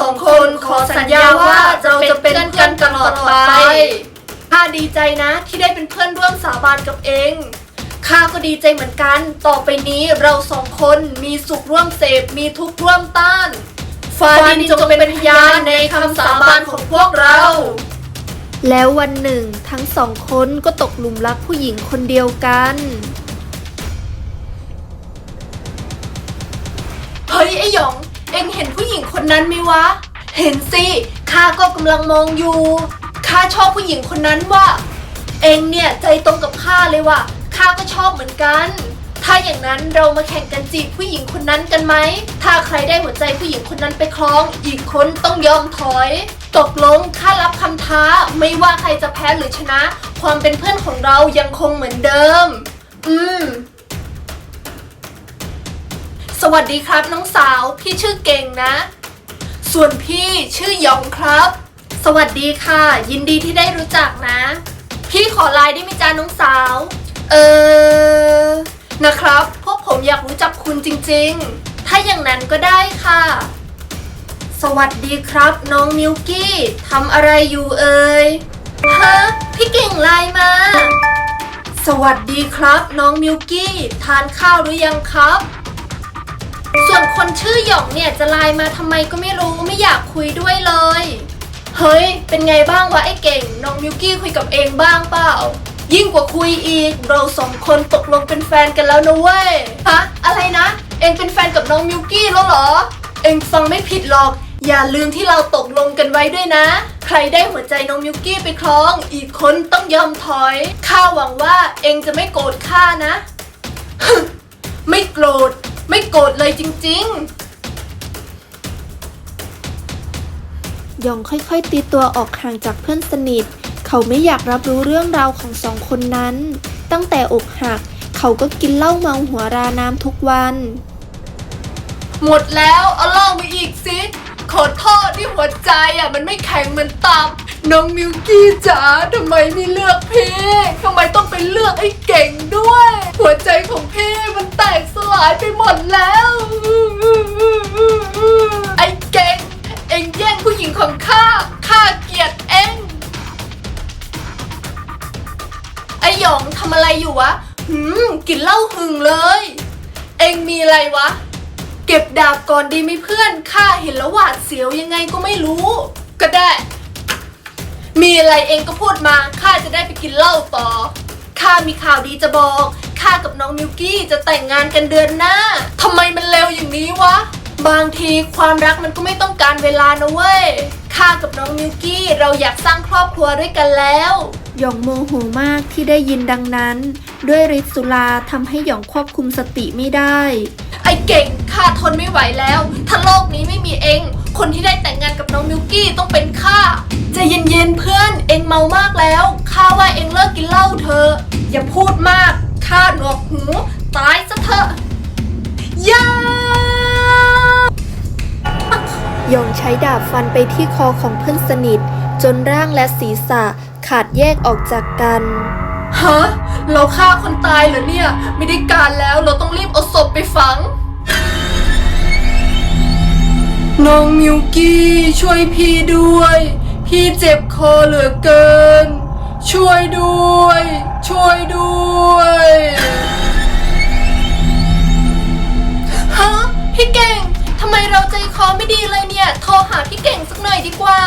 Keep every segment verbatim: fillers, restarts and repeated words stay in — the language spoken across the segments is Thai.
องคนขอสัญญาว่าเราจะเป็นเพื่อนกันตลอดไปข้าดีใจนะที่ได้เป็นเพื่อนร่วมสาบานกับเองข้าก็ดีใจเหมือนกันต่อไปนี้เราสองคนมีสุขร่วมเสพมีทุกข์ร่วมต้านฟ้าดินจงเป็นพยานในคำสาบานของพวกเราแล้ววันหนึ่งทั้งสองคนก็ตกหลุมรักผู้หญิงคนเดียวกันเฮ้ยไอ้หยองเอ็งเห็นผู้หญิงคนนั้นไหมวะเห็นสิข้าก็กำลังมองอยู่ข้าชอบผู้หญิงคนนั้นว่ะเอ็งเนี่ยใจตรงกับข้าเลยว่ะข้าก็ชอบเหมือนกันถ้าอย่างนั้นเรามาแข่งกันจีบผู้หญิงคนนั้นกันไหมถ้าใครได้หัวใจผู้หญิงคนนั้นไปครองอีกคนต้องยอมถอยตกลงข้ารับคำท้าไม่ว่าใครจะแพ้หรือชนะความเป็นเพื่อนของเรายังคงเหมือนเดิมอืมสวัสดีครับน้องสาวพี่ชื่อเก่งนะส่วนพี่ชื่อหยองครับสวัสดีค่ะยินดีที่ได้รู้จักนะพี่ขอไลน์ได้ไหมจ๊ะน้องสาวเออนะครับพวกผมอยากรู้จักคุณจริงๆถ้าอย่างนั้นก็ได้ค่ะสวัสดีครับน้องมิวกี้ทำอะไรอยู่เอ่ยฮะพี่เก่งไลน์มาสวัสดีครับน้องมิวกี้ทานข้าวหรือยังครับส่วนคนชื่อหยองเนี่ยจะไลน์มาทำไมก็ไม่รู้ไม่อยากคุยด้วยเลยเฮ้ยเป็นไงบ้างวะไอ้เก่งน้องมิวกี้คุยกับเองบ้างเปล่ายิ่งกว่าคุยอีกเราสองคนตกลงเป็นแฟนกันแล้วนะเว้ยฮะอะไรนะเองเป็นแฟนกับน้องมิวกี้แล้วเหรอเองฟังไม่ผิดหรอกอย่าลืมที่เราตกลงกันไว้ด้วยนะใครได้หัวใจน้องมิวกี้ไปครองอีกคนต้องยอมถอยข้าหวังว่าเองจะไม่โกรธข้านะ ไม่โกรธไม่โกรธเลยจริงๆหยองค่อยๆตีตัวออกห่างจากเพื่อนสนิทเขาไม่อยากรับรู้เรื่องราวของสองคนนั้นตั้งแต่อกหักเขาก็กินเหล้าเมาหัวราน้ำทุกวันหมดแล้วเอาเหล้ามาอีกสิขอโทษที่หัวใจอ่ะมันไม่แข็งเหมือนตับน้องมิวกี้จ๋าทำไมไม่เลือกพี่ทำไมต้องไปเลือกไอ้เก่งด้วยหัวใจของพี่มันแตกสลายไปหมดแล้วไอ้เก่งเอ็งแย่งผู้หญิงของข้าข้าเกลียดเอ็งไอ้หยองทำอะไรอยู่วะหืมกินเหล้าหึงเลยเอ็งมีอะไรวะเก็บดาบก่อนดีไหมเพื่อนข้าเห็นแล้วหวาดเสียวยังไงก็ไม่รู้ก็ได้มีอะไรเองก็พูดมาข้าจะได้ไปกินเหล้าต่อข้ามีข่าวดีจะบอกข้ากับน้องมิวกี้จะแต่งงานกันเดือนหน้าทำไมมันเร็วอย่างนี้วะบางทีความรักมันก็ไม่ต้องการเวลานะเว้ยข้ากับน้องมิวกี้เราอยากสร้างครอบครัวด้วยกันแล้วหยองโมโหมากที่ได้ยินดังนั้นด้วยฤทธิ์สุราทำให้หยองควบคุมสติไม่ได้ไอ้เก่งข้าทนไม่ไหวแล้วถ้าโลกนี้ไม่มีเองคนที่ได้แต่งงานกับน้องมิวกี้ต้องเป็นข้าใจเย็นๆเพื่อนเองเมามากแล้วข้าว่าเองเลิกกินเหล้าเถอะอย่าพูดมากข้าหนวกหูตายซะเถอะย่าหยองใช้ดาบฟันไปที่คอของเพื่อนสนิทจนร่างและศีรษะขาดแยกออกจากกันฮะเราฆ่าคนตายเหรอเนี่ยไม่ได้การแล้วเราต้องรีบเอาศพไปฝังน้องมิวกี้ช่วยพี่ด้วยพี่เจ็บคอเหลือเกินช่วยด้วยช่วยด้วยฮะพี่เก่งทำไมเราใจคอไม่ดีเลยเนี่ยโทรหาพี่เก่งสักหน่อยดีกว่า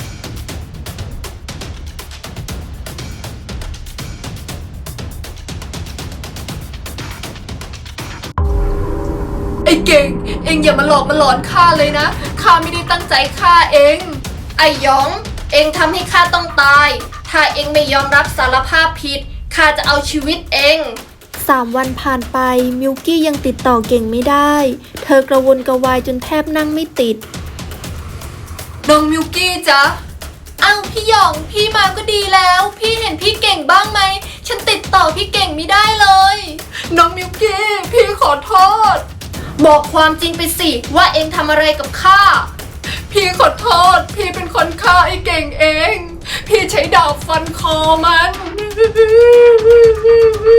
ไอ้เก่งเอ็งอย่ามาหลอกมาหลอนข้าเลยนะข้าไม่ได้ตั้งใจฆ่าเองไอ้หยองเอ็งทำให้ข้าต้องตายถ้าเอ็งไม่ยอมรับสารภาพผิดข้าจะเอาชีวิตเอ็งสามวันผ่านไปมิวกี้ยังติดต่อเก่งไม่ได้เธอกระวนกระวายจนแทบนั่งไม่ติดน้องมิวกี้จ๊ะอ้าวพี่หยองพี่มาก็ดีแล้วพี่เห็นพี่เก่งบ้างไหมฉันติดต่อพี่เก่งไม่ได้เลยน้องมิวกี้พี่ขอโทษบอกความจริงไปสิว่าเองทำอะไรกับข้าพี่ขอโทษพี่เป็นคนฆ่าไอ้เก่งเองพี่ใช้ดาบฟันคอมัน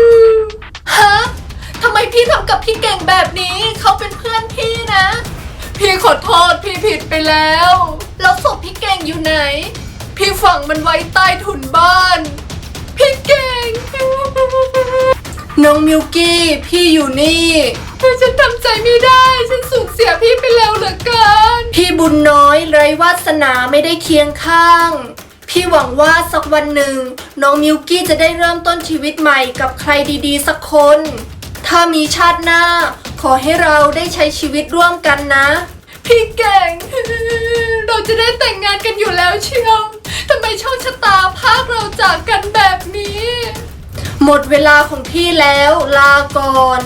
ฮะทำไมพี่ทำกับพี่เก่งแบบนี้เขาเป็นเพื่อนพี่นะพี่ขอโทษพี่ผิดไปแล้วแล้วศพพี่เก่งอยู่ไหนพี่ฝังมันไว้ใต้ถุนบ้านพี่เก่งน้องมิวกี้พี่อยู่นี่ฉันทำใจไม่ได้ฉันสูญเสียพี่ไปแล้วเหลือเกินพี่บุญน้อยไร้วาสนาไม่ได้เคียงข้างพี่หวังว่าสักวันหนึ่งน้องมิวกี้จะได้เริ่มต้นชีวิตใหม่กับใครดีๆสักคนถ้ามีชาติหน้าขอให้เราได้ใช้ชีวิตร่วมกันนะพี่เก่งเราจะได้แต่งงานกันอยู่แล้วเชียวทำไมโชคชะตาพากเราจากกันแบบนี้หมดเวลาของพี่แล้วลาก่อน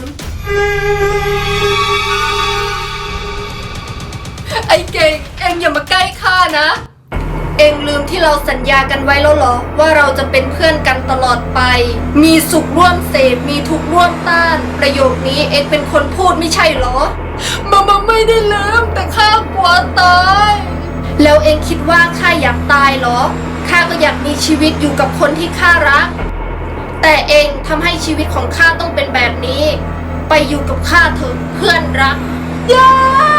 ไอ้เก่งเอ็งอย่ามาใกล้ข้านะเอ็งลืมที่เราสัญญากันไว้แล้วเหรอว่าเราจะเป็นเพื่อนกันตลอดไปมีสุขร่วมเสพมีทุกข์ร่วมต้านประโยคนี้เอ็งเป็นคนพูดไม่ใช่เหรอมามาไม่ได้ลืมแต่ข้ากลัวตายแล้วเอ็งคิดว่าข้าอยากตายเหรอข้าก็อยากมีชีวิตอยู่กับคนที่ข้ารักแต่เอ็งทำให้ชีวิตของข้าต้องเป็นแบบนี้ไปอยู่กับข้าเถอะเพื่อนรักอย่า